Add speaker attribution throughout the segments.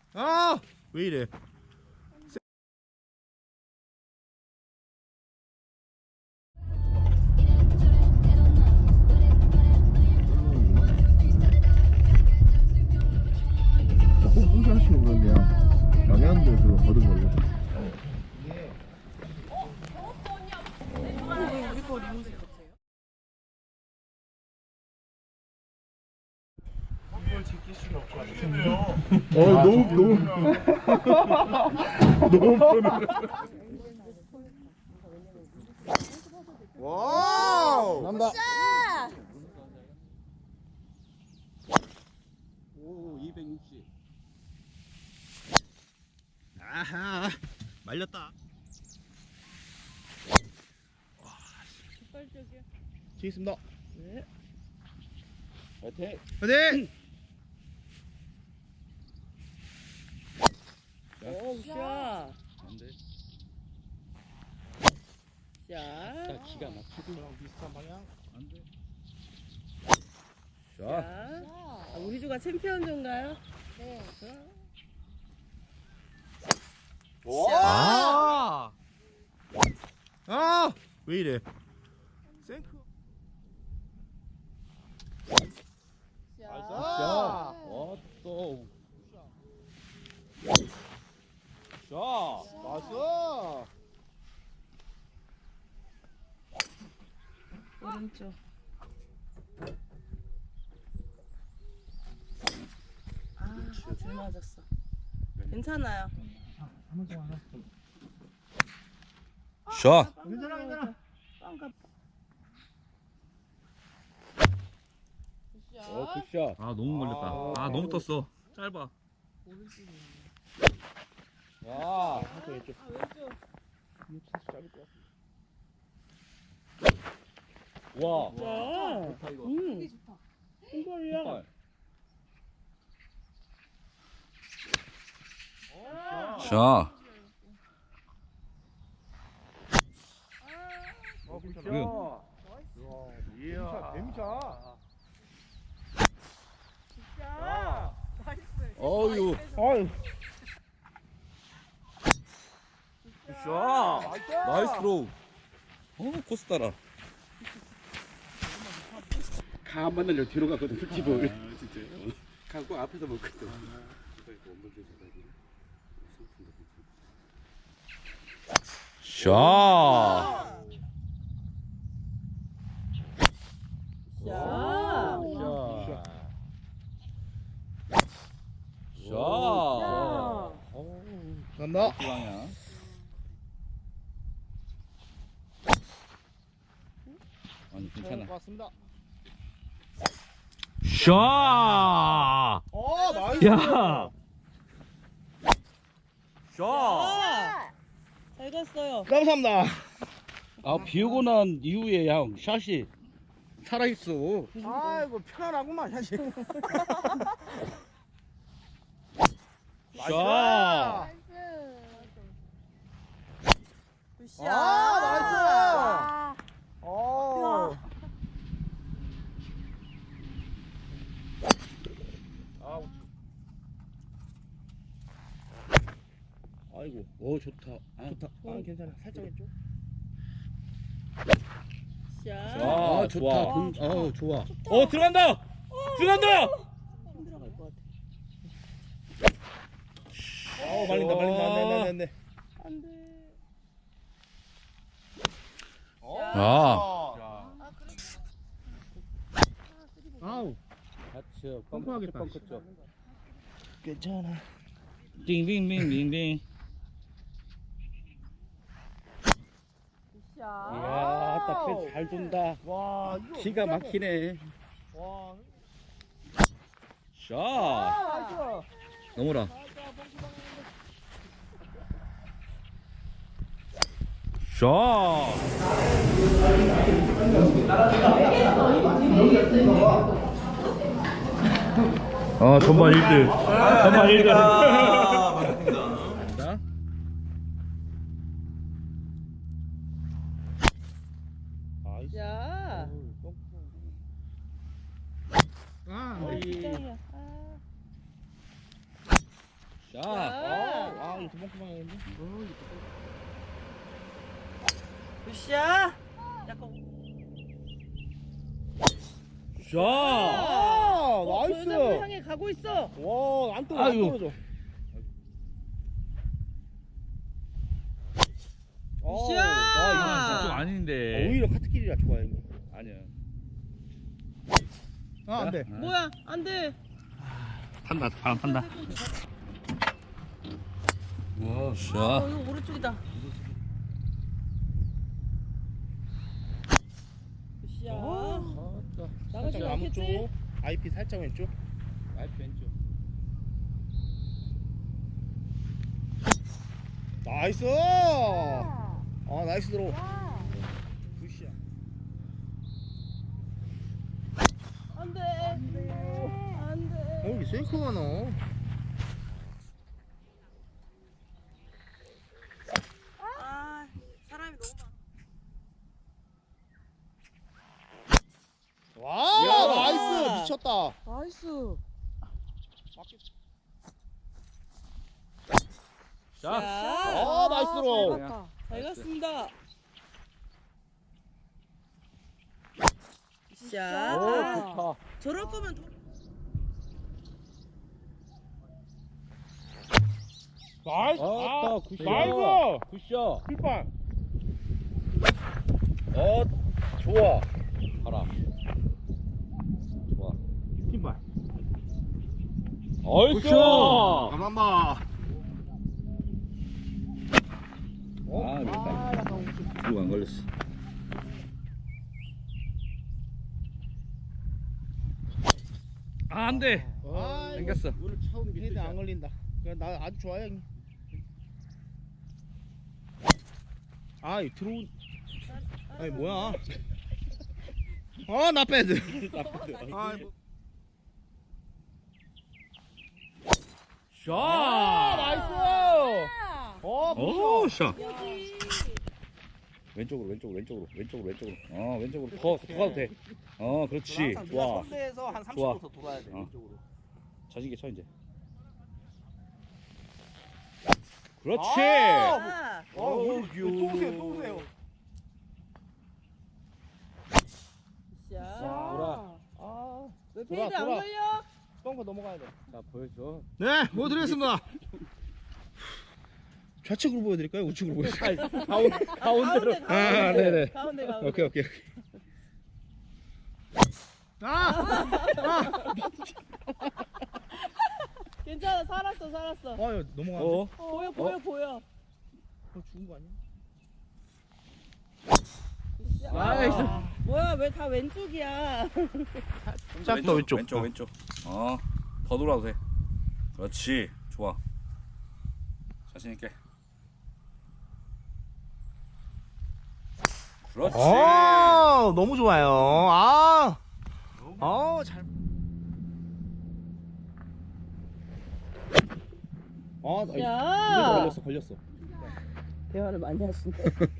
Speaker 1: 아! 왜 이래?
Speaker 2: 홍시 하시는 그런데요. 영양도 그거 거둔 걸로.
Speaker 3: 우리 거 리무진 같아요?
Speaker 2: 너무 너무 편해.
Speaker 1: 와우!
Speaker 2: 남다.
Speaker 1: 오, 260. 아하, 말렸다.
Speaker 3: 깃발적이야.
Speaker 2: 치겠습니다.
Speaker 3: 네.
Speaker 2: 화이팅.
Speaker 1: 화이팅!
Speaker 3: 오, 샷.
Speaker 2: 안돼.
Speaker 3: 샷.
Speaker 2: 기가 막히고 비슷한 방향. 안돼.
Speaker 3: 자. 아, 우리 조가 챔피언 조인가요?
Speaker 4: 네.
Speaker 1: 와! 아! 왜 이래? 생크.
Speaker 2: 자. 또. 자. 나이스.
Speaker 3: 오른쪽. 아, 잘 맞았어. 괜찮아요.
Speaker 1: 샷.
Speaker 2: 괜찮아.
Speaker 3: 빵가.
Speaker 2: 굿샷.
Speaker 1: 아, 너무 걸렸다. 아, 너무 떴어. 짧아.
Speaker 2: 야.
Speaker 3: 왼쪽.
Speaker 2: 와.
Speaker 3: 와.
Speaker 2: 좋다 이거.
Speaker 3: 흰발이야.
Speaker 1: 샷.
Speaker 2: 굿샷. 이야. 뱀샷. 야.
Speaker 1: 어유.
Speaker 2: 어유.
Speaker 1: 샷. 나이스 드로우. 코스 따라.
Speaker 5: 강 만나려 뒤로 가거든 풀집을. 진짜요? 강꼭 앞에서 먹거든.
Speaker 1: 샷.
Speaker 3: 샷.
Speaker 1: 샷.
Speaker 2: 간다.
Speaker 1: 방향. 아니, 괜찮아.
Speaker 2: 왔습니다.
Speaker 1: 샷.
Speaker 2: 나이스.
Speaker 1: 야. 샷.
Speaker 3: 아, 잘 갔어요.
Speaker 2: 감사합니다.
Speaker 5: 아, 비 오고 난 이후에 형 샷이 살아있어.
Speaker 2: 아이고 편안하구만 사실.
Speaker 1: 샷.
Speaker 3: 굿샷.
Speaker 2: 나이스.
Speaker 5: 아이고, 오 좋다. 아,
Speaker 2: 좋다. 괜찮아. 살짝 왼쪽.
Speaker 3: 샷.
Speaker 5: 아, 좋다.
Speaker 1: 좋아.
Speaker 5: 좋아.
Speaker 1: 들어간다. 들어간다.
Speaker 3: 힘들어갈 것 같아.
Speaker 2: 말린다. 안 돼.
Speaker 3: 안 돼.
Speaker 1: 아.
Speaker 2: 아우.
Speaker 5: 같이
Speaker 2: 뻥뻥하겠다.
Speaker 5: 뻥쳤죠.
Speaker 2: 괜찮아.
Speaker 5: 띵띵띵띵띵.
Speaker 3: 굿샷.
Speaker 5: 이야, 딱잘 돈다.
Speaker 2: 와, 이거
Speaker 5: 기가 막히네.
Speaker 2: 와.
Speaker 1: 샷.
Speaker 2: 나이스.
Speaker 1: 넘어라. 샷. 전반 1등. 전반 1등.
Speaker 5: 자.
Speaker 3: 야.
Speaker 2: 아,
Speaker 3: 아, 진짜야. 아.
Speaker 1: 자.
Speaker 2: 아 이거 도망가면 하겠네.
Speaker 3: 굿샷. 약간.
Speaker 1: 샷.
Speaker 2: 나이스.
Speaker 3: 저 여자분 향해 가고 있어.
Speaker 2: 와안 떨어져. 안
Speaker 1: 아이고.
Speaker 2: 떨어져.
Speaker 3: 굿샷.
Speaker 2: 나
Speaker 1: 좀 아닌데.
Speaker 2: 오히려 카트길이라 좋아요. 이거.
Speaker 1: 아니야.
Speaker 2: 아 안돼.
Speaker 3: 뭐야? 안 돼.
Speaker 1: 탄다. 바람 탄다. 와, 샷.
Speaker 3: 이거 오른쪽이다. 굿샷. 나가지
Speaker 2: 살짝 나무 쪽.
Speaker 3: 않겠지?
Speaker 2: IP 살짝 왼쪽.
Speaker 1: 라이트 왼쪽.
Speaker 2: 나이스. 아 나이스 들어. 굿샷.
Speaker 3: 안 돼. 안 돼.
Speaker 2: 여기 셀커가 나.
Speaker 3: 아, 사람이 너무 많아.
Speaker 2: 와 나이스 미쳤다.
Speaker 3: 나이스.
Speaker 1: 자.
Speaker 2: 아 나이스 들어.
Speaker 3: 잘 갔다. 잘 갔습니다.
Speaker 2: 오
Speaker 3: 샷.
Speaker 2: 좋다.
Speaker 3: 저럴 거면
Speaker 2: 나이스.
Speaker 1: 아따, 굿샷.
Speaker 2: 나이스.
Speaker 1: 굿샷.
Speaker 2: pit발.
Speaker 1: 좋아. 가라. 좋아.
Speaker 2: pit발.
Speaker 1: 어이쇼.
Speaker 2: 가만 봐.
Speaker 1: 아, 그랬다. 이거 안 걸렸어. 아, 안 돼.
Speaker 2: 아,
Speaker 1: 당겼어.
Speaker 2: 오늘 처음 헤드 안 걸린다. 그래, 나 아주 좋아요. 형님. 아, 이 들어온. 아니 뭐야? 나 패드. 아, 뭐.
Speaker 1: 샷.
Speaker 2: 나이스.
Speaker 1: 오, 샷.
Speaker 3: 여기.
Speaker 1: 왼쪽으로. 왼쪽으로. 더 가도 돼. 그렇지. 좋아.
Speaker 2: 선대에서 한 30도
Speaker 1: 좋아.
Speaker 2: 더 돌아야 돼.
Speaker 1: 어.
Speaker 2: 왼쪽으로.
Speaker 1: 자신있게 쳐 이제. 그렇지.
Speaker 3: 아,
Speaker 2: 또 오세요.
Speaker 3: 샷.
Speaker 1: 돌아.
Speaker 3: 왜
Speaker 2: 돌아,
Speaker 3: 페이드 안
Speaker 2: 돌아.
Speaker 3: 걸려?
Speaker 2: 뻥거 넘어가야 돼.
Speaker 1: 자, 보여줘.
Speaker 2: 네, 보여드리겠습니다. 좌측으로 보여드릴까요? 우측으로 보여드릴까요?
Speaker 1: 가운데로.
Speaker 2: 아, 네네.
Speaker 3: 가운데.
Speaker 2: 오케이.
Speaker 3: 괜찮아, 살았어.
Speaker 2: 야, 넘어가.
Speaker 3: 보여.
Speaker 2: 죽은 거 아니야?
Speaker 1: 나이스.
Speaker 3: 뭐야, 왜 다 왼쪽이야?
Speaker 2: 짝 더 왼쪽.
Speaker 1: 왼쪽. 더 돌아도 돼. 그렇지. 좋아. 자신 있게. 그렇지.
Speaker 2: 너무 좋아요. 잘. 나
Speaker 3: 야.
Speaker 2: 걸렸어.
Speaker 3: 대화를 많이 하시네.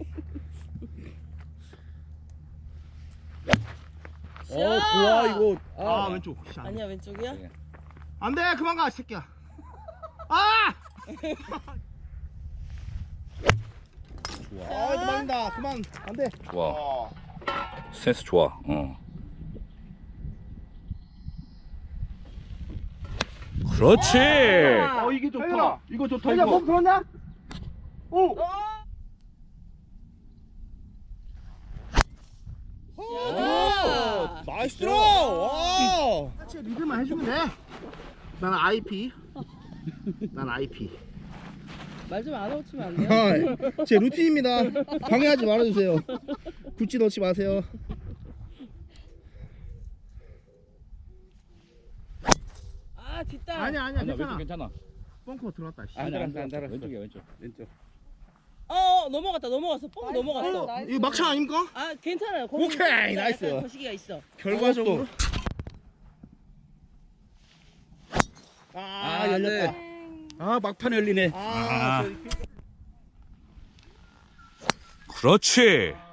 Speaker 2: 좋아 이거. 왼쪽.
Speaker 3: 아니야, 왼쪽이야?
Speaker 2: 안 돼, 그만 가, 새끼야.
Speaker 1: 좋아.
Speaker 2: 그만다, 그만. 안 돼.
Speaker 1: 좋아. 센스 좋아. 그렇지.
Speaker 2: 이게 좋다.
Speaker 5: 이거 좋다
Speaker 2: 야, 몸 들었냐? 오.
Speaker 3: 야.
Speaker 2: 나이스 들어. 와. 같이 리드만 해주면 돼. 나는 IP. 난 IP.
Speaker 3: 말 좀 안 하고 치면 안 돼요?
Speaker 2: 제 루틴입니다. 방해하지 말아주세요. 굿즈 넣지 마세요.
Speaker 3: 아, 뒷땅.
Speaker 2: 아니야,
Speaker 1: 왼쪽 괜찮아.
Speaker 2: 뻥커 들어왔다. 씨.
Speaker 1: 안
Speaker 5: 달았어.
Speaker 1: 왼쪽이야, 왼쪽.
Speaker 3: 넘어갔어. 뽕 넘어갔어.
Speaker 2: 이거 막창 아닙니까?
Speaker 3: 아, 괜찮아요.
Speaker 2: 오케이, 나이스.
Speaker 3: 거시기가 있어.
Speaker 2: 결과적으로. 열렸다.
Speaker 5: 막판 열리네.
Speaker 1: 그렇지.